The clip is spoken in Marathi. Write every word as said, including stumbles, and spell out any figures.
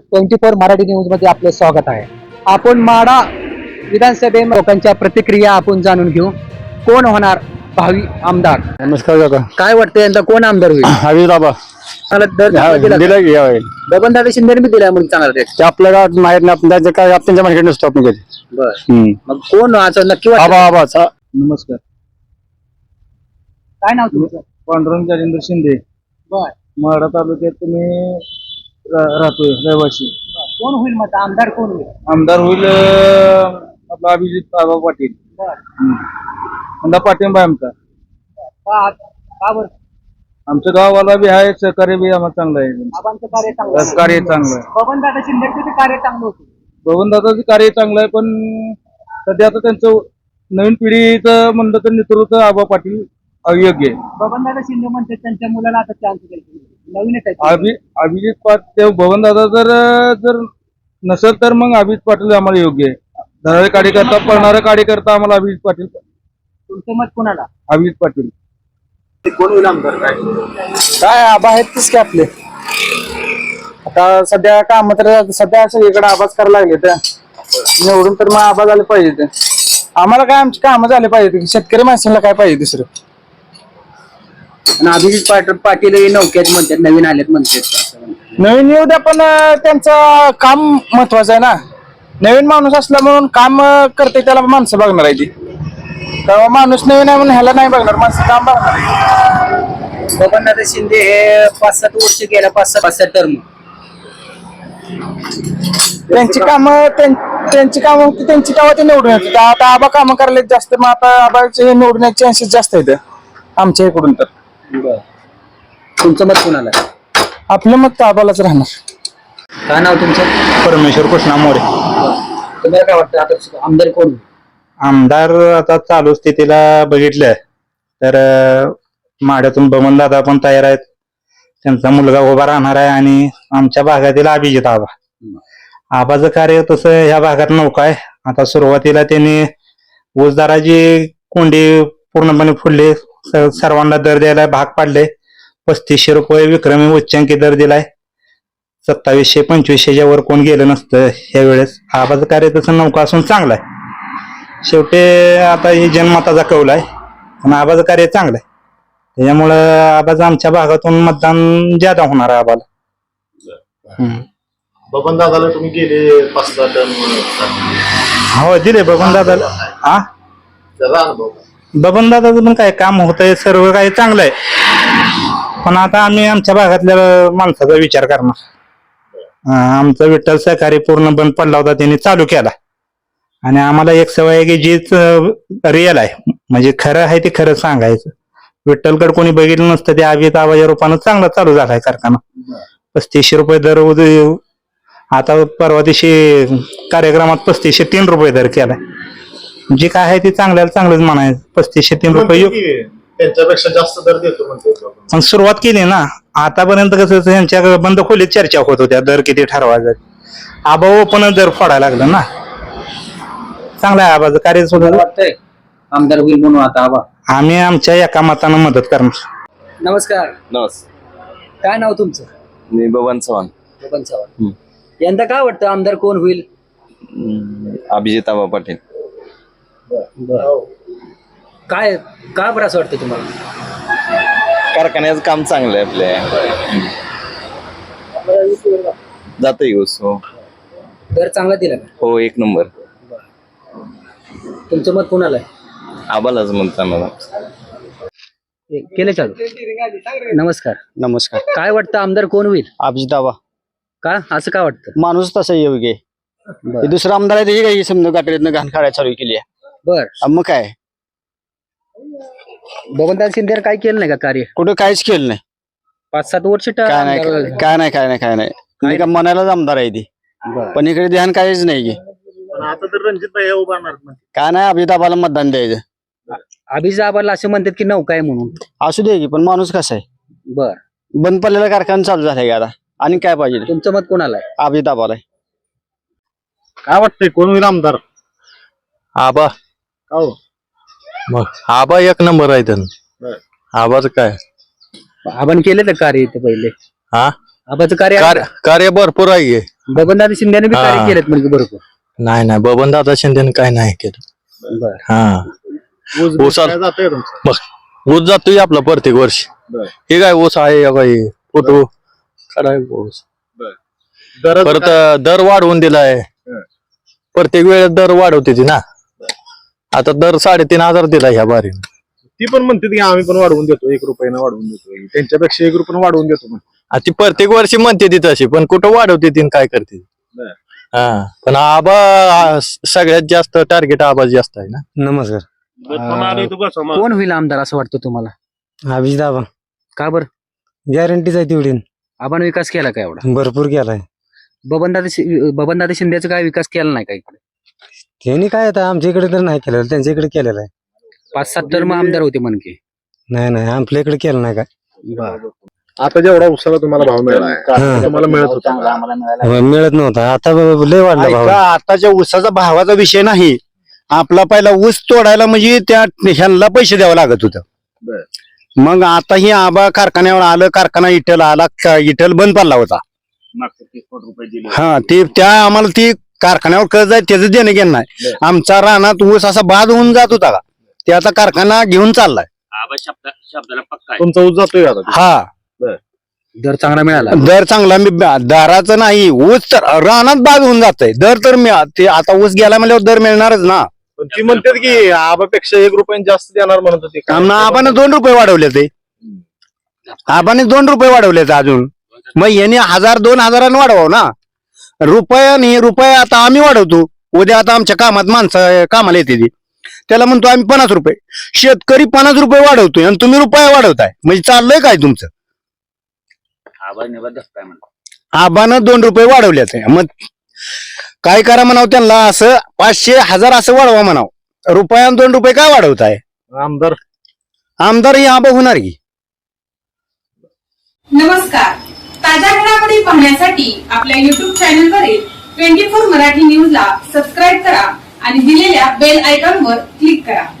ट्वेंटी फोर मराठी न्यूज मध्ये आपले स्वागत आहे। आपण माडा विधानसभे लोकांच्या प्रतिक्रिया आपण जाणून घेऊ। कोण होणार भावी आमदार? नमस्कार काका, काय वाटतं यंदा कोण आमदार होईल? हवी बाबा मला दर चांगला दिला का? की यावेळी बबन दादा शिंदे बी दिला म्हणून चांगला रेट। ते आपल्या गावात माहित नाही, आपण त्याचं काय आपण त्यांच्या मार्केट नसतो आपण कधी. बर मग कोण असं नक्की वाटतं? आबा आबाचा नमस्कार, काय नाव तुमचं? पांडुरंग राजेंद्र शिंदे, बर माढा तालुक्यात तुम्ही रा- राहतोय रहिवासी। कोण होईल मग आमदार कोण होईल? आमदार होईल अं, आपला अभिजित आबा पाटील। बर यंदा पाठिंबा आहे आमचा। का का बरं? आमच्या गावाला बी आहे, सहकार्य बी आम्हाला चांगलं आहे, आबांचं कार्य चांगलं आहे. कार्य चांगलं आहे। बबन दादा शिंदेचं कार्य चांगलं होतं। बबनदादाचं कार्य चांगलं आहे, पण सध्या आता त्यांचं नवीन पिढीचं म्हणलं तर नेतृत्व आबा पाटील अयोग्य आहे। बबन दादा शिंदे म्हणते त्यांच्या मुलाला आता चान्स द्यायचा, नवीनच आहे ते. अभि अभिजित पाटील बबनदादा जर जर नसेल तर मग अभिजित पाटील आम्हाला योग्य आहे। धनारे कार्यकर्ता पळणारा कार्यकर्ता आम्हाला अभिजित पाटील। तुमचं मत कोणाला? अभिजित पाटील कोण होईल आमदार? काय काय आबा आहेत तीच की आपले। आता सध्या काम तर सध्या सगळीकडे आबाच करायला लागले तर निवडून तर मग आबा झाले पाहिजे ते। आम्हाला काय आमची कामं झाले पाहिजे, शेतकरी माणसाला काय पाहिजे दुसरं? आणि अभिजित पाटील पाटील हे नौक्यात म्हणतात, नवीन आलेत म्हणतात। नवीन येऊ द्या, पण त्यांचं काम महत्वाचं आहे ना। नवीन माणूस असला म्हणून काम करते त्याला माणसं बघणार आहे ती, तेव्हा माणूस नवीन आहे म्हणून ह्याला नाही बघणार, माणसं काम बघणार आहे। बबनदादा शिंदे हे पाच सात वर्ष गेल्या, पाच सात पाच सात टर्म त्यांची कामं त्यांची कामं होती, त्यांची कामं ते निवडून येत होते। आता आबा कामं करायला जास्त, मग आता आबाचे निवडून यायचे चान्सेस जास्त आहेत आमच्या इकडून तर। तुमचं मत कोणाला? आपलं मत आबालाच राहणार। काय नाव तुमचं? परमेश्वर कृष्णा मोरे। तुम्हाला काय वाटतं आता आमदार कोण? आमदार आता चालू स्थितीला बघितलं तर अं, माढ्यातून बबन दादा पण तयार आहेत, त्यांचा मुलगा उभा राहणार आहे, आणि आमच्या भागातील अभिजित आबा आबाचं कार्य तसं ह्या भागात नौका आहे। आता सुरुवातीला त्यांनी ऊसदाराची कोंडी पूर्णपणे फुडली, स- सर्वांना दर द्यायला भाग पाडले। पस्तीसशे रुपये विक्रमी उच्चांकी दर दिलाय, सत्तावीसशे पंचवीसशेच्या वर कोण गेलं नसतं ह्या वेळेस। आबाचं कार्य तसं नौका असून चांगलं आहे। शेवटी आता ही जनमताचा कौल आहे, पण आबाचं कार्य चांगलं आहे, त्याच्यामुळं आबाचं आमच्या भागातून मतदान ज्यादा होणार आहे आबाला। हम्म. बबन दादाला तुम्ही गेले पाच सहा टर्म हो दिले बबन दादाला। हा त्याचा अनुभव बबन दादाचं पण काय काम होतंय, सर्व काही चांगलं आहे, पण आता आम्ही आमच्या भागातल्या माणसाचा विचार करणार। हा, आमचा विठ्ठल सहकारी पूर्ण बंद पडला होता, त्यांनी चालू केला, आणि आम्हाला एक सवय आहे की जीच रिअल आहे, म्हणजे खरं आहे ते खरं सांगायचं। विठ्ठलकडे कोणी बघितलं नसतं, ते अभिजित आबाच्या रूपानं चांगला चालू झालाय कारखाना। पस्तीसशे रुपये दर उद- आता परवा दिवशी कार्यक्रमात पस्तीसशे तीन रुपये दर केलाय। जे काय आहे ते चांगल्याला चांगलंच म्हणायचं। पस्तीसशे तीन रुपये योग- त्यांच्यापेक्षा जास्त दर देतो म्हणते बबन. पण सुरुवात केली ना। आतापर्यंत कसं त्यांच्या बंद खोलीत चर्चा होत होत्या दर किती ठरवायचं, आबा ओपन दर फोडायला लागलं ना। चांगलं आहे आबाचं कार्य सुद्धा। वाटतंय आमदार होईल म्हणून आता आबा? आम्ही आमच्या एका मतानं मदत करणार। नमस्कार, नमस्कार, काय नाव तुमचं? मी बबन चव्हाण. बबन चव्हाण, यंदा काय वाटतं आमदार कोण होईल? हम्म, अभिजित आबा पाटील. काय काय बरं असं वाटतं तुम्हाला? कारखान्याचं काम चांगलं आहे आपल्या, जातोय ऊस. हो दर चांगला दिला का? हो एक नंबर. तुमचं मत कोणाला आहे? आबालाच म्हणता मला. केले चालू। नमस्कार, नमस्कार, काय वाटतं आमदार कोण होईल? अभिजित आबा। का असं काय वाटतं? माणूस तसा योग्य आहे, बर दुसरा आमदार आहे त्याची काही समजा गाठीतनं घाण काढायला चालू केली आहे, बर मग काय बबनदादा शिंदे काय केलं नाही का कार्य? कुठं काहीच केलं नाही, पाच सात वर्ष ट- काय नाही आमदार- काय नाही काय नाही काय नाही मी का मनालाच आमदार आहे ती, बरं. पण इकडे ध्यान काहीच नाही की पण आता तर रणजित भाई उभारणार म्हणते. काय नाही अभिजित आबाला मतदान द्यायचं। अभिजित आबाला असं म्हणतात की नौका आहे म्हणून। असू दे की, पण माणूस कसा आहे, बर बंद पडलेला कारखाना चालू झालाय की आता, आणि काय पाहिजे? तुमचं मत कोणाला आहे? अभिजित आबाला आहे। काय वाटतंय कोण होईल आमदार? आबा हो मग आबा एक नंबर आहे त्यांना। आबाचं काय आपण केलं तर कार्य इथे पहिले? हा आबाचं कार्य आहे कार्य कार्य भरपूर आहे. बबनदादा शिंदेने बी हा. कार्य केलेत म्हणजे भरपूर. नाही नाही बबन दादा शिंदेने काय नाही केलं. बर हा ऊस बीस ऊसाला- काय जातोय तुमचं? बघ ऊस जातोय आपला प्रत्येक वर्षी. बर. हे काय ऊस आहे या काही फोटो काय ऊस दराचं परत काय? दर वाढवून दिलाय. हं. प्रत्येक वेळेस दर वाढवते ती ना. आता दर साडेतीन हजार दिला ह्या बारीने. ती पण म्हणते की आम्ही पण वाढवून देतो, एक रुपयानं वाढवून देतो, त्यांच्यापेक्षा एक रुपयानं वाढवून देतो म्हणते. आ ती प्रत्येक वर्षी म्हणते ती तशी पण कुठं वाढवते ती आणि काय करते. बर. हा पण आबा आ, सगळ्यात जास्त टार्गेट आबा जास्त आहे ना. नमस्कार. कोण होईल आमदार असं वाटतं तुम्हाला? अभिजित आबा का बरं? गॅरंटीच आहे तेवढी. आपण विकास केला का एवढा? भरपूर केलाय बबनदादा शि- बबनदादा शिंदेचा काय विकास केला नाही का इकडे? त्यांनी काय आता आमच्या इकडे तर नाही केलेलं, त्यांच्या इकडे केलेलं आहे. पाच सात टर्म आमदार होते म्हणके. नाही नाही आपल्या इकडे केलं नाही काय. आता जेवढा उसाला तुम्हाला भाव मिळाला हं. तुम्हाला मिळत होता का? हो, मिळत नव्हता आता ब- लय वाढला भाव. ऐका, आताच्या ऊसाचा भावाचा विषय नाही. आपला पहिला ऊस तोडायला म्हणजे त्या ह्यांना पैसे द्यावं लागत होतं. बर. मग आता ही आबा कारखान्यावर आलं, कारखाना इटल आला, का- इटल बंद पडला होता. हा ते त्या आम्हाला ती कारखान्यावर कर्ज आहे त्याचं देणं घेणं नाही. आमचा रानात ऊस असा बाद होऊन जात होता का ते आता कारखाना घेऊन चाललाय. तुमचा ऊस जातोय आता? हा दर चांगला मिळाला. दर चांगला मी दाराचं नाही, ऊस तर रानात बाद होऊन जातंय. दर तर मिळा ते आता ऊस गेला म्हणल्यावर दर मिळणारच ना. पण ती म्हणतात की आबापेक्षा एक रुपयाने जास्त देणार म्हणत होते. काय? आम्हाला आबाने दोन रुपये वाढवले ते आबाने दोन रुपये वाढवले अजून. मग यांनी हजार दोन हजारानं वाढवावं ना. रुपयाने रुपये आता आम्ही वाढवतो. उद्या आता आमच्या कामात माणसं कामाला येते ती त्याला म्हणतो आम्ही पन्नास रुपये. शेतकरी पन्नास रुपये वाढवतोय आणि तुम्ही रुपये वाढवताय म्हणजे चाललंय काय तुमचं? आबानं दोन रुपये वाढवले ते मग काय करा म्हणावं त्यांना, असं पाचशे हजार असं वाढवा म्हणावं. रुपयानं दोन रुपये काय वाढवताय? आमदार आमदार ही आबा होणार की. नमस्कार. ताज्या घडामोडी पाहण्यासाठी आपल्या युट्यूब चॅनलवरील ट्वेंटी फोर मराठी न्यूजला सबस्क्राईब करा आणि दिलेल्या बेल आयकॉनवर क्लिक करा.